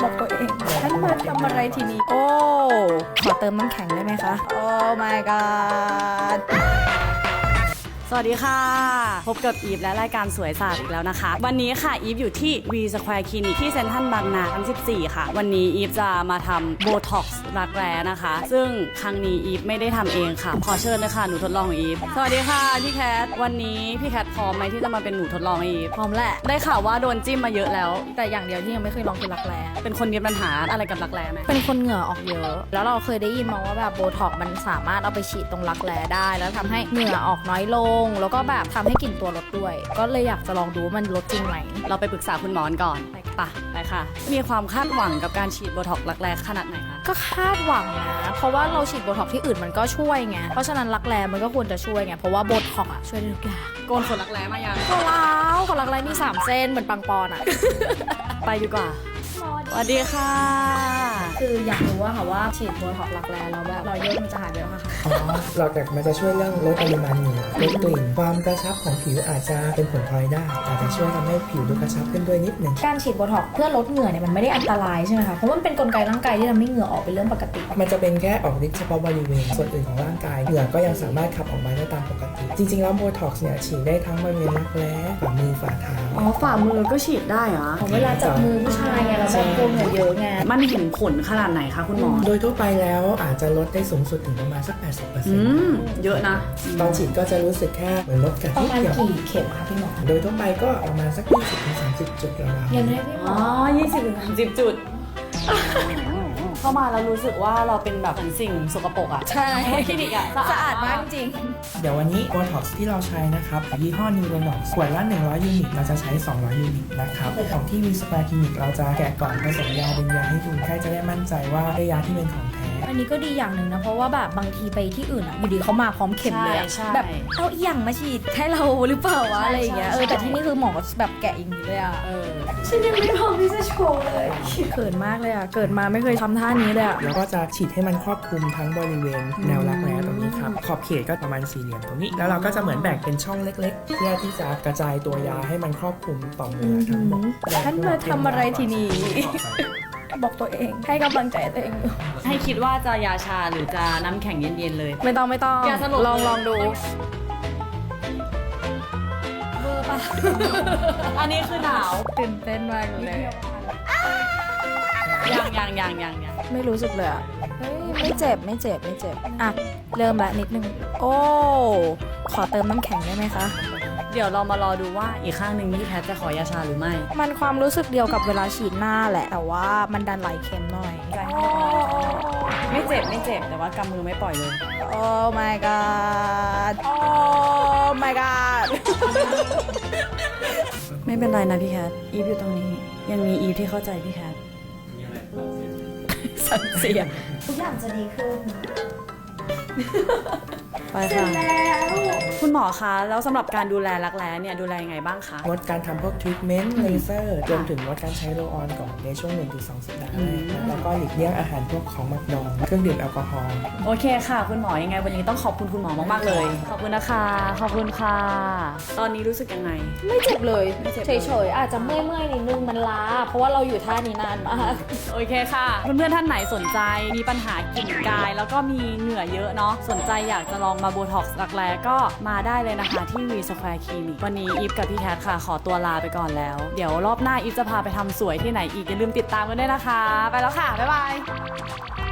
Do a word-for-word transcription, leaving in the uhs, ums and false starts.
บอกตัวเองฉันมาทำอะไรทีนี้โอ้ขอเติมน้ำแข็งได้ไหมคะโอ้ my god สวัสดีค่ะพบกับอีฟและรายการสวยศาสตร์อีกแล้วนะคะวันนี้ค่ะอีฟอยู่ที่ V Square Clinic ที่เซ็นทรัลบางนาชั้นสิบสี่ค่ะวันนี้อีฟจะมาทำโบท็อกซ์รักแร้นะคะซึ่งครั้งนี้อีฟไม่ได้ทำเองค่ะขอเชิญเลยค่ะหนูทดลองของอีฟสวัสดีค่ะพี่แคทวันนี้พี่แคทพร้อมไหมที่จะมาเป็นหนูทดลองอีฟพร้อมแหละได้ข่าวว่าโดนจิ้มมาเยอะแล้วแต่อย่างเดียวที่ยังไม่เคยลองคือรักแร้เป็นคนมีปัญหาอะไรกับรักแร้ไหมเป็นคนเหงื่อออกเยอะ แล้วเราเคยได้ยินมาว่าแบบโบท็อกซ์มันสามารถเอาไปฉีดตรงรักแร้ได้ แล้วทำให้เหงื่อออกน้อยลง แล้วก็แบบทำให้กลิ่นตัวลดด้วย ก็เลยอยากจะลองดูว่ามันลดจริงไหมเราไปปรึกษาคุณหมอก่อนไปไปไปค่ะมีความคาดหวังกับการฉีดโบท็อกซ์รักแร้ขนาดไหนคะก็คาดหวังนะ เพราะว่าเราฉีดโบท็อกซ์ที่อื่นมันก็ช่วยไง เพราะฉะนั้นรักแร้มันก็ควรจะช่วยไง เพราะว่าโบท็อกซ์อะช่วยได้ทุกอย่างโกนขนรักแร้มายังก็แล้วขนรักแร้มีสามเส้นเหมือนปังปอนอะไปดีกว่าสวัสดีค่ะคืออยากรู้ว่าค่ะว่าฉีดโบท็อกซ์รักแร้แล้วแบบรอยย่นมันจะหายไปไหมคะอ๋อหลักจากมันจะช่วยเรื่องลดปริมาณเหงื่อลดกลิ่นความกระชับของผิวอาจจะเป็นผลพลอยได้อาจจะช่วยทำให้ผิวดูกระชับขึ้นด้วยนิดหนึ่งการฉีดโบท็อกซ์เพื่อลดเหงื่อเนี่ยมันไม่ได้อันตรายใช่ไหมคะ เพราะว่ามันเป็นกลไกร่างกายที่ทำให้เหงื่อออกเป็นเรื่องปกติมันจะเป็นแค่ออกฤทธิ์เฉพาะบริเวณส่วนอื่นของร่างกายเหงื่อก็ยังสามารถขับออกมาได้ตามปกติ จริงๆแล้วโบท็อกซ์เนี่ยฉีดได้ทั้งบริเวณรักแร้ฝ่ามือฝ่าเท้าอ๋อฝ่ามือก็ฉีดได้เหรอของเวลาจับมือผู้ชายไงเราแบบกลัวเหงื่อเยอะไงมันเห็นผลขนาดไหนคะคุณหมอโดยทั่วไปแล้วอาจจะลดได้สูงสุดถึงประมาณสัก แปดสิบเปอร์เซ็อืนต์ม เยอะนะตอนฉีดก็จะรู้สึกแค่เหมือนลดกัดประนิดมาณเดียวกี่เข็มคะพี่หมอโดยทั่วไปก็ประมาณสัก ยี่สิบถึงสามสิบ จุดราวเรียนได้พี่หมอ๋ออยี่สิบถึงสามสิบจุด เข้ามาแล้วรู้สึกว่าเราเป็นแบบเหมือนสิ่งสกปรกอะใช่คลินิกอะสะอาดมากจริงๆเดี๋ยววันนี้โบท็อกซ์ที่เราใช้นะครับยี่ห้อนิวโรนอกขวดละหนึ่งร้อยยูนิตเราจะใช้สองร้อยยูนิตนะครับของที่ V Square Clinic เราจะแกะกล่องผสมยาเป็นยาให้ดูแค่จะได้มั่นใจว่าได้ยาที่เป็นของแท้อันนี้ก็ดีอย่างหนึ่งนะ เพราะว่าแบบบางทีไปที่อื่นอ่ะอยู่ดีเขามาพร้อมเข็มเลยอะใช่แบบเอาอีหยังมาฉีดให้เราหรือเปล่าวะอะไรอย่างเงี้ยเออแต่ที่นี่คือหมอแบบแกะอย่างนี้เลยอ่ะเออฉันยังไม่พร้อมที่จะโชว์เลยเขินมากเลยอ่ะเกิดมาไม่เคยทำท่านี้เลยอ่ะแล้วก็จะฉีดให้มันครอบคลุมทั้งบริเวณแนวรักแร้ตรงนี้ครับขอบเขตก็ประมาณสี่เหลี่ยมตรงนี้ แล้วเราก็จะเหมือนแบ่งเป็นช่องเล็ก ๆ เพื่อที่จะกระจายตัวยาให้มันครอบคลุมต่อมเหงื่อทั้งหมดฉันมาทำอะไรทีนี้ บอกตัวเองให้กำลังใจตัวเองอยู่ให้คิดว่าจะยาชาหรือจะน้ำแข็งเย็นๆเลยไม่ต้องไม่ต้องอย่าสลบลองเลยลองดูเบอร์ปะอันนี้คือหนาวตื่นเต้นมากเลยยังยังยังยังยังไม่รู้สึกเลยอ่ะเฮ้ยไม่เจ็บไม่เจ็บไม่เจ็บอ่ะเริ่มละนิดนึงโอ้ขอเติมน้ำแข็งได้ไหมคะเดี๋ยวเรามารอดูว่าอีกข้างหนึ่งพี่แพทจะขอยาชาหรือไม่มันความรู้สึกเดียวกับเวลาฉีดหน้าแหละ แต่ว่ามันดันไหลเค็มหน่อยไม่เจ็บไม่เจ็บแต่ว่ากำมือไม่ปล่อยเลยโอ้ my god โอ้ my god ไม่เป็นไรนะพี่แคทอีฟอยู่ตรงนี้ ยังมีอีฟที่เข้าใจพี่แคทสันเสียทุกอย่างจะดีขึ้นไปค่ะคุณหมอคะแล้วสำหรับการดูแลรักแร้เนี่ยดูแลยังไงบ้างคะงดการทำพวกทรีทเมนต์เลเซอร์รวมถึงงดการใช้โรลออนก่อนในช่วง หนึ่งถึงสอง สัปดาห์แรกนะแล้วก็หลีกเลี่ยงอาหารพวกของหมักดองเครื่องดื่มแอลกอฮอล์โอเคค่ะ คุณหมอยังไงวันนี้ต้องขอบคุณคุณหมอมากๆเลย ขอบคุณนะคะขอบคุณค่ะ ตอนนี้รู้สึกยังไงไม่เจ็บเลยไม่เจ็บเฉยๆอาจจะเมื่อยๆนิดนึงมันล้า เพราะว่าเราอยู่ท่านี้นานมากโอเคค่ะ เพื่อนๆท่านไหนสนใจมีปัญหากลิ่นกาย แล้วก็มีเหงื่อเยอะเนาะสนใจอยากจะลองมาโบท็อกซ์รักแร้ก็มาได้เลยนะคะที่ V Square Clinic วันนี้อีฟกับพี่แคทค่ะ ขอตัวลาไปก่อนแล้ว เดี๋ยวรอบหน้าอีฟจะพาไปทำสวยที่ไหนอีกอย่าลืมติดตามกันด้วยนะคะ ไปแล้วค่ะ บ๊ายบาย